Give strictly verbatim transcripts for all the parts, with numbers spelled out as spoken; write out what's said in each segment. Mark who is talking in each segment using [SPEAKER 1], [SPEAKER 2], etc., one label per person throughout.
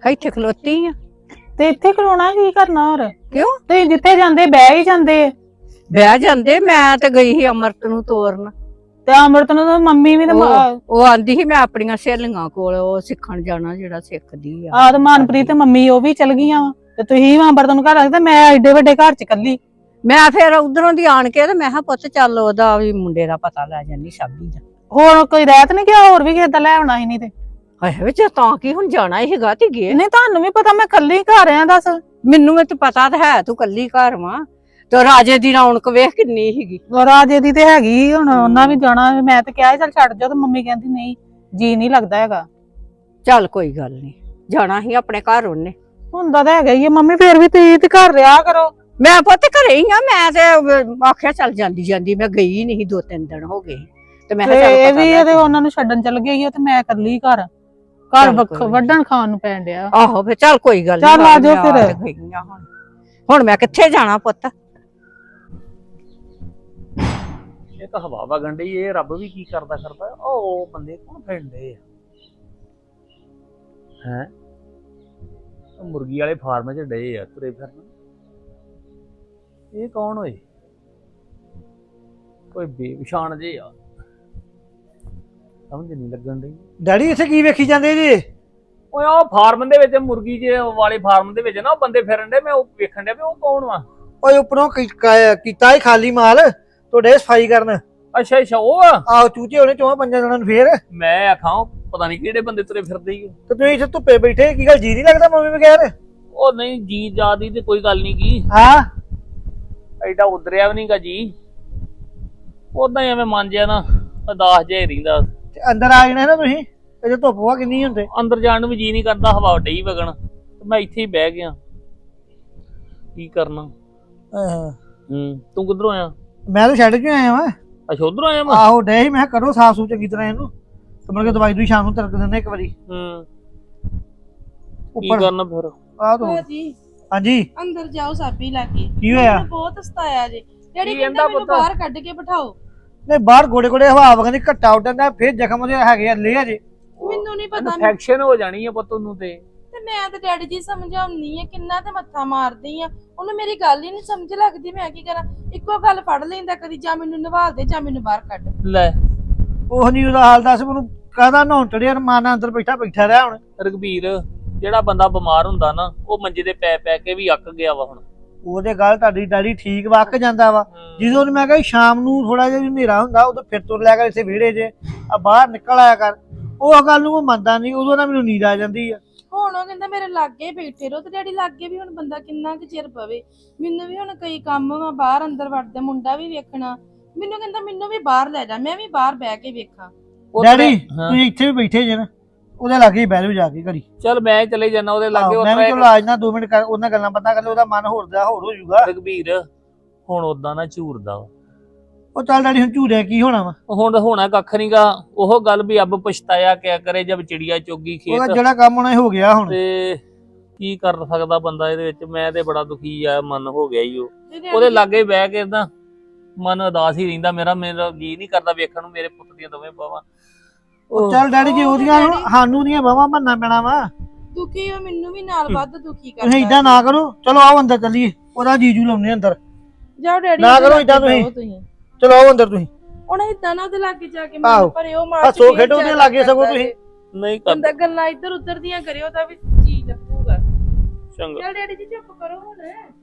[SPEAKER 1] ਇੱਥੇ ਖਲੋਤੀ ਆ।
[SPEAKER 2] ਤੇ ਇੱਥੇ ਖਲੋਣਾ ਕੀ ਕਰਨਾ ਹੋਰ?
[SPEAKER 1] ਕਿਉਂ?
[SPEAKER 2] ਤੇ ਜਿੱਥੇ ਜਾਂਦੇ ਬਹਿ ਹੀ ਜਾਂਦੇ।
[SPEAKER 1] ਬਹਿ ਜਾਂਦੇ, ਮੈਂ ਤੇ ਗਈ ਸੀ ਅਮਰਤ ਨੂੰ ਤੋਰਨ।
[SPEAKER 2] ਤੇ ਅਮਰਤ ਨੂੰ ਤਾਂ ਮੰਮੀ ਵੀ ਤੇ
[SPEAKER 1] ਉਹ ਉਹ ਆਂਦੀ ਸੀ ਮੈਂ ਆਪਣੀਆਂ ਸਹੇਲੀਆਂ ਕੋਲ ਉਹ ਸਿੱਖਣ ਜਾਣਾ ਜਿਹੜਾ ਸਿੱਖਦੀ ਆ।
[SPEAKER 2] ਆਹ ਤੇ ਮਨਪ੍ਰੀਤ ਤੇ ਮੰਮੀ ਉਹ ਵੀ ਚਲ ਗਈਆਂ ਵਾ ਤੇ ਤੁਸੀਂ ਅਮਰਤ ਨੂੰ ਘਰ ਰੱਖਦੇ, ਮੈਂ ਐਡੇ ਵੱਡੇ ਘਰ ਚ ਇਕੱਲੀ।
[SPEAKER 1] ਮੈਂ ਫਿਰ ਉਧਰੋਂ ਦੀ ਆਣ ਕੇ ਤੇ ਮੈਂ ਕਿਹਾ ਪੁੱਤ ਚੱਲ ਉਹਦਾ ਵੀ ਮੁੰਡੇ ਦਾ ਪਤਾ ਲੈ ਜਾਂਦੀ ਸ਼ਾਬੀ ਦਾ।
[SPEAKER 2] ਹੋਰ ਕੋਈ ਰਹਿਤ ਨਹੀਂ ਗਿਆ, ਹੋਰ ਵੀ ਕਿਸੇ ਦਾ ਲੈ ਆਉਣਾ ਸੀ ਨਹੀਂ ਤੇ।
[SPEAKER 1] ਹਾਏ ਵਿੱਚ ਤਾਂ ਕੀ ਹੁਣ ਜਾਣਾ ਹੀ ਹੈਗਾ ਤੇ ਗਏ।
[SPEAKER 2] ਨਹੀਂ ਤੁਹਾਨੂੰ ਵੀ ਪਤਾ ਮੈਂ ਇਕੱਲੀ ਘਰ ਆ, ਦੱਸ।
[SPEAKER 1] ਮੈਨੂੰ ਵੀ ਤੇ ਪਤਾ ਤਾਂ ਹੈ ਤੂੰ ਕੱਲੀ ਘਰ ਵਾਂ ਤੇ ਰਾਜੇ ਦੀ ਰੌਣਕ ਵੇਖ ਕਿੰਨੀ ਸੀਗੀ।
[SPEAKER 2] ਰਾਜੇ ਦੀ ਤੇ ਹੈਗੀ, ਹੁਣ ਉਹਨਾਂ ਵੀ ਜਾਣਾ। ਮੈਂ ਤੇ ਕਿਹਾ ਚੱਲ ਛੱਡ ਜਾ, ਤੇ ਮੰਮੀ ਕਹਿੰਦੀ ਨਹੀਂ ਜੀ ਨਹੀਂ ਲੱਗਦਾ ਹੈਗਾ।
[SPEAKER 1] ਚੱਲ ਕੋਈ ਗੱਲ ਨਹੀਂ, ਜਾਣਾ ਹੀ ਆਪਣੇ ਘਰ ਉਹਨੇ।
[SPEAKER 2] ਹੁੰਦਾ ਤਾਂ ਹੈਗਾ ਹੀ ਆ ਮੰਮੀ, ਫੇਰ ਵੀ ਤੁਸੀਂ ਤੇ ਘਰ ਰਿਹਾ ਕਰੋ।
[SPEAKER 1] ਮੈਂ ਪੁੱਤ ਘਰੇ ਹੀ ਆ, ਮੈਂ ਤੇ ਆਖਿਆ ਚੱਲ ਜਾਂਦੀ ਜਾਂਦੀ ਮੈਂ ਗਈ ਨਹੀਂ, ਦੋ ਤਿੰਨ ਦਿਨ ਹੋ ਗਏ ਤੇ ਮੈਂ ਕਿਹਾ ਚੱਲ
[SPEAKER 2] ਇਹ
[SPEAKER 1] ਪਤਾ
[SPEAKER 2] ਵੀ
[SPEAKER 1] ਲੈ
[SPEAKER 2] ਇਹਦੇ ਉਹਨਾਂ ਨੂੰ ਛੱਡਣ ਚੱਲ ਗਈ ਆ ਤੇ ਮੈਂ ਇਕੱਲੀ ਘਰ ਘਰ ਵੱਢਣ ਖਾਣ ਨੂੰ ਪੈਣ ਡਿਆ।
[SPEAKER 1] ਆਹੋ ਫੇ ਚੱਲ ਕੋਈ ਗੱਲ
[SPEAKER 2] ਚੱਲ ਆ ਜਾਓ ਫਿਰ।
[SPEAKER 1] ਹੁਣ ਹੁਣ ਮੈਂ ਕਿੱਥੇ ਜਾਣਾ ਪੁੱਤ?
[SPEAKER 3] ਇਹ ਤਾਂ ਹਵਾ ਵਗਣ ਡਈ, ਇਹ ਰੱਬ ਵੀ ਕੀ ਕਰਦਾ ਕਰਦਾ। ਉਹ ਬੰਦੇ ਕੌਣ ਫਿਰਦੇ ਆ ਹੈ? ਮੁਰਗੀ ਵਾਲੇ ਫਾਰਮ 'ਚ ਡਏ ਆ ਤੁਰੇ ਫਿਰਨ। ਇਹ ਕੌਣ ਹੋਏ? ਕੋਈ ਬੇਪਛਾਣ ਜੇ ਆ, ਸਮਝ ਨਹੀਂ ਲੱਗਣ ਡਈ।
[SPEAKER 4] ਡੈਡੀ ਇੱਥੇ ਕੀ ਵੇਖੀ ਜਾਂਦੇ ਜੀ?
[SPEAKER 3] ਓਏ ਉਹ ਫਾਰਮ ਦੇ ਵਿੱਚ ਮੁਰਗੀ ਜੇ ਵਾਲੇ ਫਾਰਮ ਦੇ ਵਿੱਚ ਨਾ ਉਹ ਬੰਦੇ ਫਿਰਨ ਡੇ, ਮੈਂ ਉਹ ਵੇਖਣ ਡਿਆ ਵੀ ਉਹ ਕੌਣ ਵਾ।
[SPEAKER 4] ਓਏ ਉੱਪਰੋਂ ਕੀ- ਕ- ਕੀਤਾ ਹੀ ਖਾਲੀ ਮਾਲ ਤੁਹਾਡੇ ਸਫਾਈ ਕਰਨ।
[SPEAKER 3] ਅੱਛਾ ਅੱਛਾ ਉਹ ਆ।
[SPEAKER 4] ਆਹੋ ਚੂਚੇ ਹੋਣੇ ਚੋਹਾਂ ਪੰਜਾਂ ਜਣਾਂ ਨੂੰ ਫੇਰ।
[SPEAKER 3] ਮੈਂ ਆਖਾਂ ਪਤਾ ਨਹੀਂ ਕਿਹੜੇ ਬੰਦੇ ਤੁਰੇ ਫਿਰਦੇ ਹੀ।
[SPEAKER 4] ਤੇ ਤੁਸੀਂ ਇੱਥੇ ਧੁੱਪੇ ਬੈਠੇ, ਕੀ ਗੱਲ ਜੀ ਨਹੀਂ ਲੱਗਦਾ ਮੰਮੀ ਬਗੈਰ?
[SPEAKER 3] ਉਹ ਨਹੀਂ ਜੀ ਜਾਦੀ ਤੇ ਕੋਈ ਗੱਲ ਨਹੀਂ ਕੀ,
[SPEAKER 4] ਹਾਂ
[SPEAKER 3] ਐਡਾ ਉਧਰਿਆ ਵੀ ਨਹੀਂਗਾ ਜੀ। ਉਦਾਂ ਹੀ ਐਵੇਂ ਮਨ ਜਿਆ ਨਾ ਉਦਾਸ ਜਿਹਾ ਹੀ ਰਹਿੰਦਾ।
[SPEAKER 4] ਤੇ ਅੰਦਰ ਆ ਜਾਣਾ ਨਾ ਤੁਸੀਂ, ਇਹਦੇ ਧੁੱਪ ਵਾ ਕਿੰਨੀ ਹੁੰਦੇ।
[SPEAKER 3] ਅੰਦਰ ਜਾਣ ਨੂੰ ਵੀ ਜੀ ਨਹੀਂ ਕਰਦਾ, ਹਵਾ ਡਈ ਵਗਣ ਤੇ ਮੈਂ ਇੱਥੇ ਹੀ ਬਹਿ ਗਿਆ। ਕੀ ਕਰਨਾ?
[SPEAKER 4] ਹਾਂ
[SPEAKER 3] ਹੂੰ ਤੂੰ ਕਿੱਧਰੋਂ ਆਇਆ?
[SPEAKER 4] ਮੈਂ ਤਾਂ ਛੱਡ ਕੇ ਆਇਆ ਵਾਂ।
[SPEAKER 3] ਅੱਛਾ ਉਧਰੋਂ ਆਇਆ ਮੈਂ।
[SPEAKER 4] ਆਹੋ ਡੇ ਸੀ, ਮੈਂ ਕਿਹਾ ਕਰੋ ਸਾਫ ਸੂਫ ਚੰਗੀ ਤਰ੍ਹਾਂ ਇਹਨੂੰ, ਤੇ ਮੁੜ ਕੇ ਦਵਾਈ ਦੂਈ ਸ਼ਾਮ ਨੂੰ ਤਰਕ ਦਿੰਦੇ ਇੱਕ ਵਾਰੀ
[SPEAKER 3] ਹੂੰ ਕੀ
[SPEAKER 4] ਉੱਪਰ।
[SPEAKER 3] ਕਰਨਾ ਫਿਰ?
[SPEAKER 4] ਆਹ ਤੂੰ
[SPEAKER 5] ਜੀ
[SPEAKER 4] ਹਾਂਜੀ
[SPEAKER 5] ਅੰਦਰ ਜਾਓ ਸਾਬੀ ਲਾ ਕੇ।
[SPEAKER 4] ਕੀ ਹੋਇਆ?
[SPEAKER 5] ਮੈਨੂੰ ਬਹੁਤ ਸਤਾਇਆ ਜੇ। ਡੈਡੀ
[SPEAKER 3] ਕੀ
[SPEAKER 5] ਕਹਿੰਦਾ
[SPEAKER 3] ਕਹਿੰਦਾ
[SPEAKER 5] ਮੈਨੂੰ
[SPEAKER 3] ਪੁੱਤ?
[SPEAKER 5] ਬਾਹਰ ਕੱਢ ਕੇ ਬਿਠਾਓ।
[SPEAKER 4] ਨਹੀਂ ਬਾਹਰ ਗੋੜੇ ਗੋੜੇ ਹਵਾ ਵਗਦੀ, ਘੱਟਾ ਉੱਡਦਾ, ਫੇਰ ਜ਼ਖਮ ਉਹਦੇ ਹੈਗੇ ਆ ਲੈ ਆ ਜੇ।
[SPEAKER 5] ਮੈਨੂੰ ਨਹੀਂ ਪਤਾ।
[SPEAKER 3] ਇਨਫੈਕਸ਼ਨ ਹੋ ਜਾਣੀ ਹੈ ਪੁੱਤ ਨੂੰ ਤੇ।
[SPEAKER 5] ਤੇ ਮੈਂ ਤੇ ਡੈਡੀ ਜੀ ਸਮਝਾਉਣੀ ਆ, ਕਿੰਨਾ ਤੇ ਮੱਥਾ ਮਾਰਦੀ ਆ, ਉਹਨੂੰ ਮੇਰੀ ਗੱਲ ਹੀ ਨਹੀਂ ਸਮਝ ਲੱਗਦੀ। ਮੈਂ ਕੀ ਕਰਾਂ? ਇੱਕੋ ਗੱਲ ਫੜ ਲੈਂਦਾ, ਕਦੀ ਜਾਂ ਮੈਨੂੰ ਨਿਵਾਲ ਦੇ ਜਾਂ ਮੈਨੂੰ ਬਾਹਰ ਕੱਢ
[SPEAKER 3] ਲੈ
[SPEAKER 4] ਉਹ ਨਹੀਂ ਉਹਦਾ ਹਾਲ ਦੱਸ ਮੈਨੂੰ, ਕਾਹਦਾ ਨਹਾਉਣ ਚੜਿਆ ਰਮਾਨਾ ਅੰਦਰ ਬੈਠਾ ਬੈਠਾ ਰਿਹਾ ਹੁਣ।
[SPEAKER 3] ਰਘਬੀਰ, ਜਿਹੜਾ ਬੰਦਾ ਬਿਮਾਰ ਹੁੰਦਾ ਨਾ ਉਹ ਮੰਜੇ ਤੇ ਪੈ ਪੈ ਕੇ ਵੀ ਅੱਕ ਗਿਆ ਵਾ ਹੁਣ।
[SPEAKER 4] ਉਹਦੇ ਗੱਲ ਤੁਹਾਡੀ ਡੈਡੀ ਠੀਕ ਵਕ ਜਾਂਦਾ ਵਾ। ਜਦੋਂ ਮੈਂ ਕਿਹਾ ਸ਼ਾਮ ਨੂੰ ਥੋੜਾ ਜਿਹਾ ਹਨੇਰਾ ਹੁੰਦਾ ਉਦੋਂ ਫਿਰ ਤੁਰ ਲਿਆ ਕਰ ਇੱਥੇ ਵਿਹੜੇ 'ਚ, ਆ ਬਾਹਰ ਨਿਕਲ ਆਇਆ ਕਰ। ਉਹ ਗੱਲ ਨੂੰ ਉਹ ਮੰਨਦਾ ਨਹੀਂ, ਉਦੋਂ ਨਾ ਮੈਨੂੰ ਨੀਂਦ ਆ ਜਾਂਦੀ ਆ।
[SPEAKER 5] ਹੁਣ ਉਹ ਕਹਿੰਦਾ ਮੇਰੇ ਲਾਗੇ ਬੈਠੇ ਰਹੋ। ਤੇ ਡੈਡੀ ਲਾਗੇ ਵੀ ਹੁਣ ਬੰਦਾ ਕਿੰਨਾ ਕੁ ਚਿਰ ਪਵੇ? ਮੈਨੂੰ ਵੀ ਹੁਣ ਕਈ ਕੰਮ ਵਾ, ਬਾਹਰ ਅੰਦਰ ਵੜਦੇ, ਮੁੰਡਾ ਵੀ ਵੇਖਣਾ। ਮੈਨੂੰ ਕਹਿੰਦਾ ਮੈਨੂੰ ਵੀ ਬਾਹਰ ਲੈ ਜਾ, ਮੈਂ ਵੀ ਬਾਹਰ ਬਹਿ ਕੇ ਵੇਖਾਂ।
[SPEAKER 4] ਡੈਡੀ ਤੁਸੀਂ ਇੱਥੇ ਵੀ ਬੈਠੇ ਜੇ ਨਾ, ਉਹਦੇ ਲਾਗੇ ਹੀ ਬਹਿ ਜਾਓ ਜਾ ਕੇ ਘੜੀ।
[SPEAKER 3] ਚੱਲ ਮੈਂ ਚਲੇ ਜਾਣਾ ਉਹਦੇ ਲਾਗੇ।
[SPEAKER 4] ਮੈਂ ਵੀ ਚਲੋ ਆ ਜਾਣਾ ਦੋ ਮਿੰਟ ਕਰ, ਉਹਨਾਂ ਗੱਲਾਂ ਪਤਾ ਕਰ ਲਓ, ਉਹਦਾ ਮਨ ਹੋਰ ਦਾ ਹੋਰ ਹੋ ਜਾਊਗਾ।
[SPEAKER 3] ਰਘਬੀਰ ਹੁਣ ਉਦਾਂ ਨਾ ਝੂਰਦਾ ਵਾ।
[SPEAKER 4] ਉਹ ਚੱਲ ਡੈਡੀ ਹੁਣ ਝੂਰਿਆ ਕੀ ਹੋਣਾ ਵਾ?
[SPEAKER 3] ਹੁਣ ਹੋਣਾ ਕੱਖ ਨਹੀਂਗਾ। ਉਹ ਗੱਲ ਵੀ ਅੱਬ ਪਛਤਾਇਆ ਕਿਆ ਕਰੇ ਜਦ ਚਿੜੀਆ ਚੋਗੀ
[SPEAKER 4] ਉਹਦਾ
[SPEAKER 3] ਖੇਤ।
[SPEAKER 4] ਜਿਹੜਾ ਕੰਮ ਹੋਣਾ ਹੋ ਗਿਆ ਹੁਣ।
[SPEAKER 3] ਤੇ ਕੀ ਕਰ ਸਕਦਾ ਬੰਦਾ ਇਹਦੇ ਵਿੱਚ? ਮੈਂ ਤੇ ਬੜਾ ਦੁਖੀ ਆ, ਮਨ ਹੋ ਗਿਆ ਈ ਉਹ।
[SPEAKER 5] ਤੇ ਡੈਡੀ
[SPEAKER 3] ਉਹਦੇ ਲਾਗੇ ਬਹਿ ਕੇ ਨਾ ਮਨ ਉਦਾਸ ਹੀ ਰਹਿੰਦਾ ਮੇਰਾ। ਮੇਰਾ ਜੀ ਨਹੀਂ ਕਰਦਾ ਵੇਖਣ ਨੂੰ ਮੇਰੇ ਪੁੱਤ ਦੀਆਂ ਦੋਵੇਂ ਬਾਹਾਂ।
[SPEAKER 4] ਉਹ ਚੱਲ ਡੈਡੀ ਜੀ ਉਹਦੀਆਂ ਹੁਣ ਸਾਨੂੰ ਦੀਆਂ ਬਾਹਾਂ ਮੰਨਣਾ ਪੈਣਾ ਵਾ।
[SPEAKER 5] ਦੁਖੀ ਹੋ, ਮੈਨੂੰ ਵੀ ਨਾਲ ਵੱਧ ਦੁਖੀ ਕਰਦਾ।
[SPEAKER 4] ਤੁਸੀਂ ਏਦਾਂ ਨਾ ਕਰੋ, ਚਲੋ ਆਓ ਅੰਦਰ ਚੱਲੀਏ, ਉਹਦਾ ਜੀਜੂ ਲਾਉਣੇ ਅੰਦਰ।
[SPEAKER 5] ਜਾਓ ਡੈਡੀ
[SPEAKER 4] ਨਾ
[SPEAKER 5] ਉਹਦੇ
[SPEAKER 4] ਕਰੋ ਏਦਾਂ
[SPEAKER 5] ਲਾਗੇ
[SPEAKER 4] ਤੁਸੀਂ।
[SPEAKER 5] ਤੁਸੀਂ
[SPEAKER 4] ਚਲੋ ਆਓ ਅੰਦਰ ਤੁਸੀਂ।
[SPEAKER 5] ਹੁਣ ਏਦਾਂ ਨਾ ਉਹਦੇ ਲਾਗੇ ਜਾ ਕੇ
[SPEAKER 4] ਆਹੋ।
[SPEAKER 5] ਮਨ ਭਰੇ ਉਹ ਮਾਰ
[SPEAKER 4] ਹੱਸੋ ਖੇਡੋ ਉਹਦੇ ਲਾਗੇ ਸਗੋਂ ਤੁਸੀਂ।
[SPEAKER 3] ਨਹੀਂ
[SPEAKER 5] ਬੰਦਾ
[SPEAKER 3] ਕਰਦਾ
[SPEAKER 5] ਗੱਲਾਂ ਇੱਧਰ ਉੱਧਰ ਦੀਆਂ ਕਰਿਓ ਤਾਂ ਵੀ ਜੀ ਲੱਗੂਗਾ।
[SPEAKER 3] ਚੰਗਾ।
[SPEAKER 5] ਚੱਲ ਡੈਡੀ ਜੀ ਚੁੱਪ ਕਰੋ ਹੁਣ।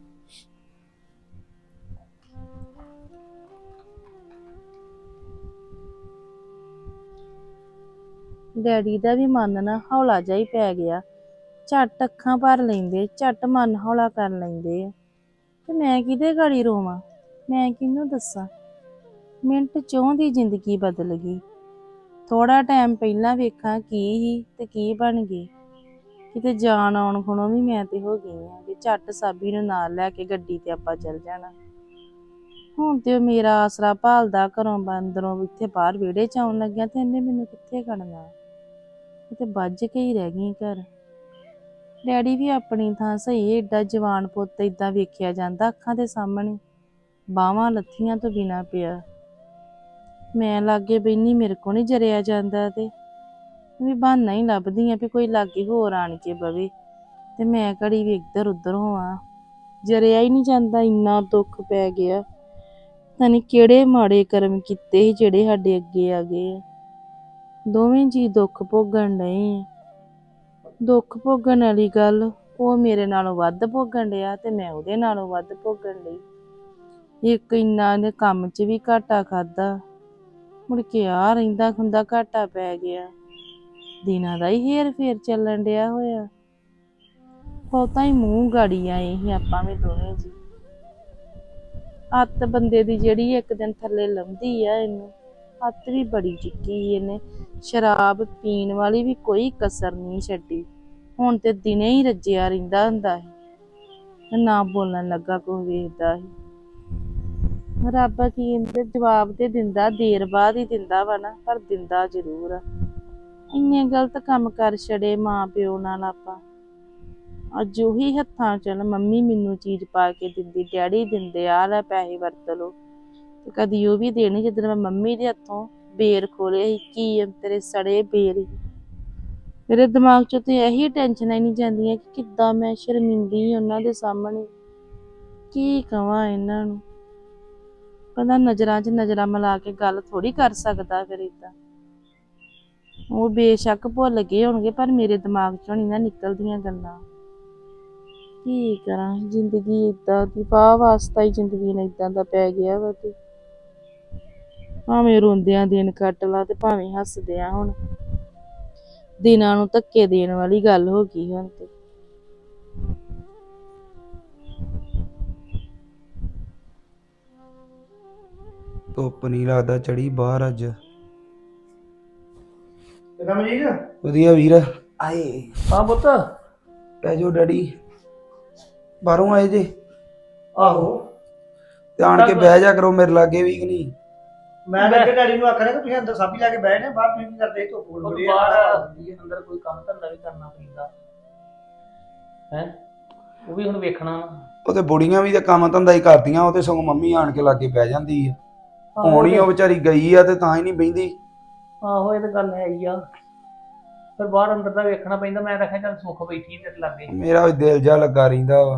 [SPEAKER 5] ਡੈਡੀ ਦਾ ਵੀ ਮਨ ਨਾ ਹੌਲਾ ਜਿਹਾ ਹੀ ਪੈ ਗਿਆ। ਝੱਟ ਅੱਖਾਂ ਭਰ ਲੈਂਦੇ, ਝੱਟ ਮਨ ਹੌਲਾ ਕਰ ਲੈਂਦੇ ਆ। ਤੇ ਮੈਂ ਕਿਹਦੇ ਗਾੜੀ ਰੋਵਾਂ? ਮੈਂ ਕਿਹਨੂੰ ਦੱਸਾਂ? ਮਿੰਟ ਚੋਂ ਦੀ ਜ਼ਿੰਦਗੀ ਬਦਲ ਗਈ। ਥੋੜਾ ਟਾਈਮ ਪਹਿਲਾਂ ਵੇਖਾਂ ਕੀ ਹੀ ਤੇ ਕੀ ਬਣ ਗਈ। ਕਿਤੇ ਜਾਣ ਆਉਣ ਖਣੋਂ ਵੀ ਮੈਂ ਤੇ ਹੋ ਗਈ ਆ ਕਿ ਝੱਟ ਸਾਬੀ ਨੂੰ ਨਾਲ ਲੈ ਕੇ ਗੱਡੀ ਤੇ ਆਪਾਂ ਚੱਲ ਜਾਣਾ। ਹੁਣ ਤੇ ਉਹ ਮੇਰਾ ਆਸਰਾ ਭਾਲਦਾ ਘਰੋਂ ਬੰਦਰੋਂ ਇੱਥੇ ਬਾਹਰ ਵਿਹੜੇ ਚ ਆਉਣ ਲੱਗਿਆ ਤੇ ਇਹਨੇ ਮੈਨੂੰ ਕਿੱਥੇ ਖੜਨਾ? ਤੇ ਵੱਜ ਕੇ ਹੀ ਰਹਿ ਗਈ ਘਰ। ਡੈਡੀ ਵੀ ਆਪਣੀ ਥਾਂ ਸਹੀ, ਏਡਾ ਜਵਾਨ ਪੁੱਤ ਏਦਾਂ ਵੇਖਿਆ ਜਾਂਦਾ ਅੱਖਾਂ ਦੇ ਸਾਹਮਣੇ, ਬਾਹਾਂ ਲੱਥੀਆਂ ਤੋਂ ਬਿਨਾਂ ਪਿਆ। ਮੈਂ ਲਾਗੇ ਬੈਨੀ, ਮੇਰੇ ਕੋ ਨਹੀਂ ਜਰਿਆ ਜਾਂਦਾ। ਤੇ ਵੀ ਬਹਾਨਾ ਹੀ ਲੱਭਦੀ ਆ ਵੀ ਕੋਈ ਲਾਗੇ ਹੋਰ ਆਣ ਕੇ ਬਵੇ ਤੇ ਮੈਂ ਘੜੀ ਵੀ ਇੱਧਰ ਉੱਧਰ ਹੋਵਾਂ। ਜਰਿਆ ਹੀ ਨਹੀਂ ਜਾਂਦਾ, ਇੰਨਾ ਦੁੱਖ ਪੈ ਗਿਆ। ਪਤਾ ਨਹੀਂ ਕਿਹੜੇ ਮਾੜੇ ਕਰਮ ਕੀਤੇ ਸੀ ਜਿਹੜੇ ਸਾਡੇ ਅੱਗੇ ਆ ਗਏ ਆ। ਦੋਵੇਂ ਜੀ ਦੁੱਖ ਭੋਗਣ ਡਏ ਆ। ਦੁੱਖ ਭੋਗਣ ਵਾਲੀ ਗੱਲ, ਉਹ ਮੇਰੇ ਨਾਲੋਂ ਵੱਧ ਭੋਗਣ ਡਿਆ ਤੇ ਮੈਂ ਉਹਦੇ ਨਾਲੋਂ ਵੱਧ ਭੋਗਣ ਡਈ। ਇੱਕ ਇੰਨਾ ਦੇ ਕੰਮ 'ਚ ਵੀ ਘਾਟਾ ਖਾਦਾ, ਮੁੜ ਕੇ ਆ ਰਹਿੰਦਾ ਖੁੰਦਾ ਘਾਟਾ ਪੈ ਗਿਆ। ਦਿਨਾਂ ਦਾ ਹੀ ਹੇਰ ਫੇਰ ਚੱਲਣ ਡਿਆ ਹੋਇਆ। ਬਹੁਤਾ ਹੀ ਮੂੰਹ ਗਾੜੀ ਆਏ ਸੀ ਆਪਾਂ ਵੀ ਦੋਵੇਂ ਜੀ। ਅੱਤ ਬੰਦੇ ਦੀ ਜਿਹੜੀ ਇੱਕ ਦਿਨ ਥੱਲੇ ਲੰਘਦੀ ਆ, ਇਹਨੂੰ ਅੱਤ ਵੀ ਬੜੀ ਚੁੱਕੀ ਇਹਨੇ। ਸ਼ਰਾਬ ਪੀਣ ਵਾਲੀ ਵੀ ਕੋਈ ਕਸਰ ਨਹੀਂ ਛੱਡੀ। ਹੁਣ ਤੇ ਦਿਨੇ ਹੀ ਰੱਜਿਆ ਰਹਿੰਦਾ ਹੁੰਦਾ ਸੀ, ਨਾ ਬੋਲਣ ਲੱਗਾ ਕੁਛ ਵੇਖਦਾ ਸੀ। ਰੱਬ ਕੀ ਇਹਦੇ ਜਵਾਬ ਤੇ ਦਿੰਦਾ, ਦੇਰ ਬਾਅਦ ਹੀ ਦਿੰਦਾ ਵਾ ਨਾ, ਪਰ ਦਿੰਦਾ ਜ਼ਰੂਰ ਆ। ਇੰਨੇ ਗਲਤ ਕੰਮ ਕਰ ਛੜੇ ਮਾਂ ਪਿਓ ਨਾਲ ਆਪਾਂ। ਅੱਜ ਉਹੀ ਹੱਥਾਂ ਚੱਲ ਮੰਮੀ ਮੈਨੂੰ ਚੀਜ਼ ਪਾ ਕੇ ਦਿੰਦੀ, ਡੈਡੀ ਦਿੰਦੇ, ਆ ਲੈ ਪੈਸੇ ਵਰਤ ਲੋ। ਤੇ ਕਦੀ ਉਹ ਵੀ ਦੇਣੀ ਜਦੋਂ ਮੈਂ ਮੰਮੀ ਦੇ ਹੱਥੋਂ ਬੇਰ ਖੋਲੇ ਸੀ, ਕੀ ਤੇਰੇ ਸੜੇ ਬੇਰ ਸੀ। ਮੇਰੇ ਦਿਮਾਗ ਚੋਂ ਤੇ ਇਹੀ ਟੈਨਸ਼ਨਾਂ ਹੀ ਨਹੀਂ ਜਾਂਦੀਆਂ ਕਿ ਕਿੱਦਾਂ ਮੈਂ ਸ਼ਰਮਿੰਦੀ ਉਹਨਾਂ ਦੇ ਸਾਹਮਣੇ। ਕੀ ਕਵਾਂ ਇਹਨਾਂ ਨੂੰ। ਕਹਿੰਦਾ ਨਜ਼ਰਾਂ 'ਚ ਨਜ਼ਰਾਂ ਮਿਲਾ ਕੇ ਗੱਲ ਥੋੜੀ ਕਰ ਸਕਦਾ ਫਿਰ ਏਦਾਂ। ਉਹ ਬੇਸ਼ੱਕ ਭੁੱਲ ਗਏ ਹੋਣਗੇ, ਪਰ ਮੇਰੇ ਦਿਮਾਗ 'ਚੋਂ ਨਹੀਂ ਨਾ ਨਿਕਲਦੀਆਂ ਗੱਲਾਂ। ਕੀ ਕਰਾਂ, ਜ਼ਿੰਦਗੀ ਏਦਾਂ ਦੀ ਵਾਹ ਵਾਸਤਾ ਹੀ ਜ਼ਿੰਦਗੀ ਨੇ ਏਦਾਂ ਦਾ ਪੈ ਗਿਆ ਵਾ। ਤੇ ਭਾਵੇਂ ਰੋਂਦਿਆਂ ਦਿਨ ਕੱਟ ਲਾ ਤੇ ਭਾਵੇਂ ਹੱਸਦਿਆਂ। ਹੁਣ ਦਿਨਾਂ ਨੂੰ ਧੱਕੇ ਦੇਣ ਵਾਲੀ ਗੱਲ ਹੋ ਗਈ ਹੁਣ ਤੇ।
[SPEAKER 6] ਧੁੱਪ ਨਹੀਂ ਲੱਗਦਾ ਚੜੀ ਬਾਹਰ ਅੱਜ।
[SPEAKER 4] ਰਮਜੀਤ
[SPEAKER 6] ਵਧੀਆ ਵੀਰ। ਆਏ
[SPEAKER 3] ਹਾਂ ਪੁੱਤ।
[SPEAKER 6] ਪੈ ਜਾਓ ਡੈਡੀ, ਬਾਹਰੋਂ ਆਏ ਜੇ?
[SPEAKER 4] ਆਹੋ,
[SPEAKER 6] ਤੇ ਆਣ ਕੇ ਬਹਿ ਜਾ ਕਰੋ ਮੇਰੇ ਲਾਗੇ ਵੀ ਕਿ ਨਹੀਂ।
[SPEAKER 4] ਮੈਂ ਤਾਂ ਅੱਗੇ ਡੈਡੀ ਨੂੰ ਆਖਣਾ ਕਿ ਤੁਸੀਂ ਅੰਦਰ ਸਾਬੀ ਲਾ ਕੇ ਬਹਿ ਨੇ, ਬਾਹਰ ਤੁਸੀਂ ਕੀ ਕਰਦੇ? ਧੁੱਪ ਬੜੀ ਆ,
[SPEAKER 3] ਬਾਹਰ ਅੰਦਰ ਕੋਈ ਕੰਮ ਧੰਦਾ ਵੀ ਕਰਨਾ ਪੈਂਦਾ ਹੈ, ਉਹ ਵੀ ਹੁਣ ਵੇਖਣਾ।
[SPEAKER 6] ਉਹ ਤੇ ਬੁੜੀਆਂ ਵੀ ਤੇ ਕੰਮ ਧੰਦਾ ਹੀ ਕਰਦੀਆਂ, ਉਹ ਤੇ ਸਗੋਂ ਮੰਮੀ ਆਣ ਕੇ ਲਾਗੇ ਬਹਿ ਜਾਂਦੀ ਆ। ਹੁਣ ਹੀ ਉਹ ਵਿਚਾਰੀ ਗਈ ਆ ਤੇ ਤਾਂ ਹੀ ਨਹੀਂ ਬਹਿੰਦੀ।
[SPEAKER 3] ਆਹੋ ਇਹ ਤਾਂ ਗੱਲ ਹੈ ਹੀ ਆ, ਪਰ ਬਾਹਰ ਅੰਦਰ ਦਾ ਵੇਖਣਾ ਪੈਂਦਾ। ਮੈਂ ਰੱਖਿਆ ਚੱਲ ਸੁੱਖ ਬੈਠੀ ਤੇਰੇ ਲਾਗੇ।
[SPEAKER 6] ਮੇਰਾ ਵੀ ਦਿਲ ਜਾ ਲੱਗਾ ਰਹਿੰਦਾ ਵਾ।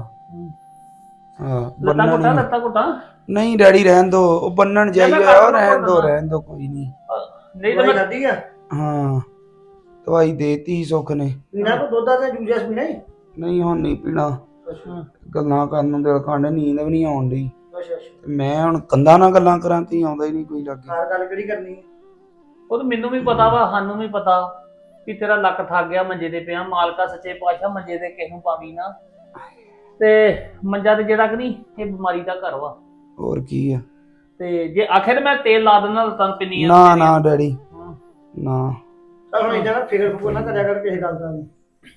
[SPEAKER 6] ਹਾਂ
[SPEAKER 3] ਲੱਤਾਂ ਘੁੱਟਾਂ ਲੱਤਾਂ ਘੁੱਟਾਂ
[SPEAKER 6] ਨਹੀਂ ਡੈਡੀ ਰਹਿਣ ਦੋ, ਉਹ ਬੰਨਣ ਜਾਈ ਹੋਇਆ। ਰਹਿਣ ਦੋ ਰਹਿਣ ਦੋ ਕੋਈ ਨਹੀਂ।
[SPEAKER 3] ਨਹੀਂ ਤਾਂ ਮੈਂ
[SPEAKER 4] ਖਾਦੀ ਆ।
[SPEAKER 6] ਹਾਂ ਦਵਾਈ ਦੇਤੀ ਸੁੱਖ ਨੇ।
[SPEAKER 4] ਪੀਣਾ ਕੋ ਦੁੱਧ ਦਾ ਜੂਸ ਜਾਸ ਪੀਣਾ ਹੀ
[SPEAKER 6] ਨਹੀਂ ਹੁਣ ਨਹੀਂ ਪੀਣਾ। ਗੱਲਾਂ ਕਰਨ ਨੂੰ ਦਿਲ ਕਾਂਡੇ, ਨੀਂਦ ਵੀ ਨਹੀਂ ਆਉਣ ਡਈ।
[SPEAKER 4] ਅੱਛਾ ਅੱਛਾ,
[SPEAKER 6] ਮੈਂ ਹੁਣ ਕੰਧਾਂ ਨਾਲ ਗੱਲਾਂ ਕਰਾਂ ਤੇ ਆਉਂਦਾ ਹੀ ਨਹੀਂ ਕੋਈ ਲੱਗੇ।
[SPEAKER 4] ਹਰ ਗੱਲ ਕਿਹੜੀ ਕਰਨੀ ਹੈ?
[SPEAKER 3] ਉਹ ਤਾਂ ਮੈਨੂੰ ਵੀ ਪਤਾ ਵਾ, ਸਾਨੂੰ ਵੀ ਪਤਾ ਵੀ ਤੇਰਾ ਲੱਕ ਥੱਕ ਗਿਆ ਮੰਜੇ ਤੇ ਪਿਆ। ਮਾਲਕਾ ਸੱਚੇ ਪਾਤਸ਼ਾਹ ਮੰਜੇ ਤੇ ਕਿਸੇ ਨੂੰ ਪਾਵੀ ਨਾ। ਤੇ ਮੰਜਾ ਤੇ ਜਿਹੜਾ ਕਿ ਨਹੀਂ, ਇਹ ਬਿਮਾਰੀ ਦਾ ਘਰ ਵਾ।
[SPEAKER 6] ਹੋਰ ਕੀ ਆ।
[SPEAKER 3] ਤੇ ਜੇ ਆਖੇ ਤੇ ਮੈਂ ਤੇਲ ਲਾ ਦਿੰਦਾ ਲੱਤਾਂ ਨੂੰ ਪਿੰਨੀਆਂ।
[SPEAKER 6] ਨਾ ਨਾ ਡੈਡੀ ਨਾ।
[SPEAKER 4] ਚੱਲ ਹੁਣ ਇਦਾਂ ਨਾ ਫਿਕਰ ਫੁਕਰ ਨਾ ਕਰਿਆ ਕਰ ਕਿਸੇ ਗੱਲ ਦਾ ਵੀ।